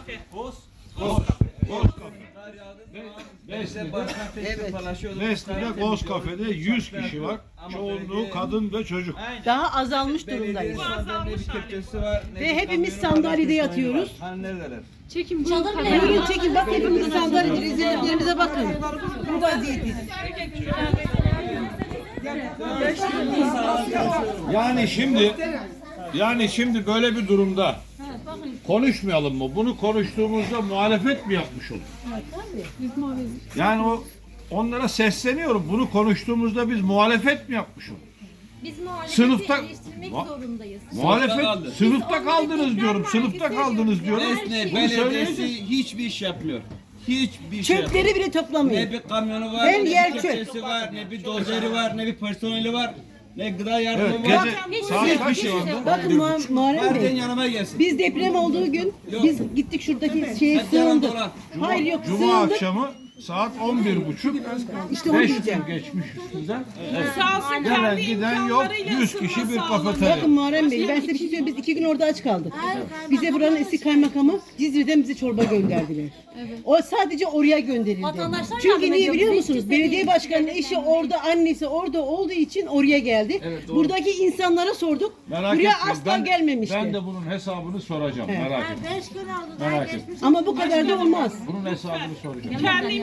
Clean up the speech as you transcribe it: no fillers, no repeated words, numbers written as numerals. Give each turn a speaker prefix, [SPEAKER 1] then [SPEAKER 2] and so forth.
[SPEAKER 1] Besli'de Ghost Cafe'de 100 kişi var. Çoğunluğu kadın ve çocuk.
[SPEAKER 2] Daha azalmış durumdayız.
[SPEAKER 3] Ve
[SPEAKER 2] Ve hepimiz sandalyede yatıyoruz.
[SPEAKER 4] Çekim bu.
[SPEAKER 2] Buyurun çekin bak hepimiz sandalyede rezilliklerimize bakın. Bu vaziyetiz.
[SPEAKER 1] Yani şimdi böyle bir durumda konuşmayalım mı? Bunu konuştuğumuzda muhalefet mi yapmış olur? Yani onlara sesleniyorum. Bunu konuştuğumuzda biz muhalefet mi yapmış olur?
[SPEAKER 4] Biz muhalefeti
[SPEAKER 1] Sınıfta
[SPEAKER 4] eleştirmek zorundayız.
[SPEAKER 1] muhalefet sınıfta kaldınız diyorum. Sınıfta kaldınız diyorum.
[SPEAKER 5] Esne
[SPEAKER 1] Bunu
[SPEAKER 5] belediyesi
[SPEAKER 1] söyleyeceğiz.
[SPEAKER 5] hiçbir iş yapmıyor. Hiçbir şey yapmıyor.
[SPEAKER 2] Çöpleri bile toplamıyor.
[SPEAKER 5] Ne bir kamyonu var,
[SPEAKER 2] Her
[SPEAKER 5] ne
[SPEAKER 2] yer
[SPEAKER 5] bir
[SPEAKER 2] çöp.
[SPEAKER 5] kepçesi var, ne bir dozeri var, ne bir personeli var, ne gıda yardımı
[SPEAKER 1] Evet,
[SPEAKER 5] var.
[SPEAKER 1] gece saat kaç şu anda?
[SPEAKER 2] Bakın Muharrem
[SPEAKER 5] Varden
[SPEAKER 2] Bey.
[SPEAKER 5] yanıma gelsin.
[SPEAKER 2] Biz deprem olduğu gün biz gittik şuradaki şeye
[SPEAKER 5] Hadi yalan
[SPEAKER 2] sığındık.
[SPEAKER 5] dolan.
[SPEAKER 2] Hayır yok
[SPEAKER 1] Cuma
[SPEAKER 2] sığındık.
[SPEAKER 1] akşamı saat 11.30.
[SPEAKER 2] İşte onu
[SPEAKER 1] 5
[SPEAKER 2] diyeceğim.
[SPEAKER 1] gün geçmiş üstünden.
[SPEAKER 6] Sağ olsun
[SPEAKER 1] Gelen
[SPEAKER 6] kendi
[SPEAKER 1] giden yok.
[SPEAKER 6] imkanlarıyla
[SPEAKER 1] 100 kişi bir
[SPEAKER 6] ısınma sağladı.
[SPEAKER 1] kafeterya.
[SPEAKER 2] Bakın Muharrem Bey ben size bir şey söyleyeyim. Biz 2 gün orada aç kaldık. Bize buranın eski kaymakamı Cizre'den bize çorba gönderdiler. O sadece oraya gönderildi.
[SPEAKER 4] Vatandaşlar
[SPEAKER 2] Çünkü
[SPEAKER 4] yardım
[SPEAKER 2] niye
[SPEAKER 4] ediyor,
[SPEAKER 2] biliyor
[SPEAKER 4] bize
[SPEAKER 2] musunuz?
[SPEAKER 4] hiç
[SPEAKER 2] Belediye
[SPEAKER 4] kimse
[SPEAKER 2] başkanının eşi orada, annesi orada olduğu için oraya geldi. Buradaki insanlara sorduk.
[SPEAKER 1] Merak
[SPEAKER 2] Buraya
[SPEAKER 1] etmeyin.
[SPEAKER 2] asla gelmemişti.
[SPEAKER 1] Ben de bunun hesabını soracağım. Merak etmeyin.
[SPEAKER 4] 5 gün oldu.
[SPEAKER 1] Merak etmeyin.
[SPEAKER 2] Ama bu kadar da olmaz.
[SPEAKER 1] Bunun hesabını soracağım.
[SPEAKER 6] Kendi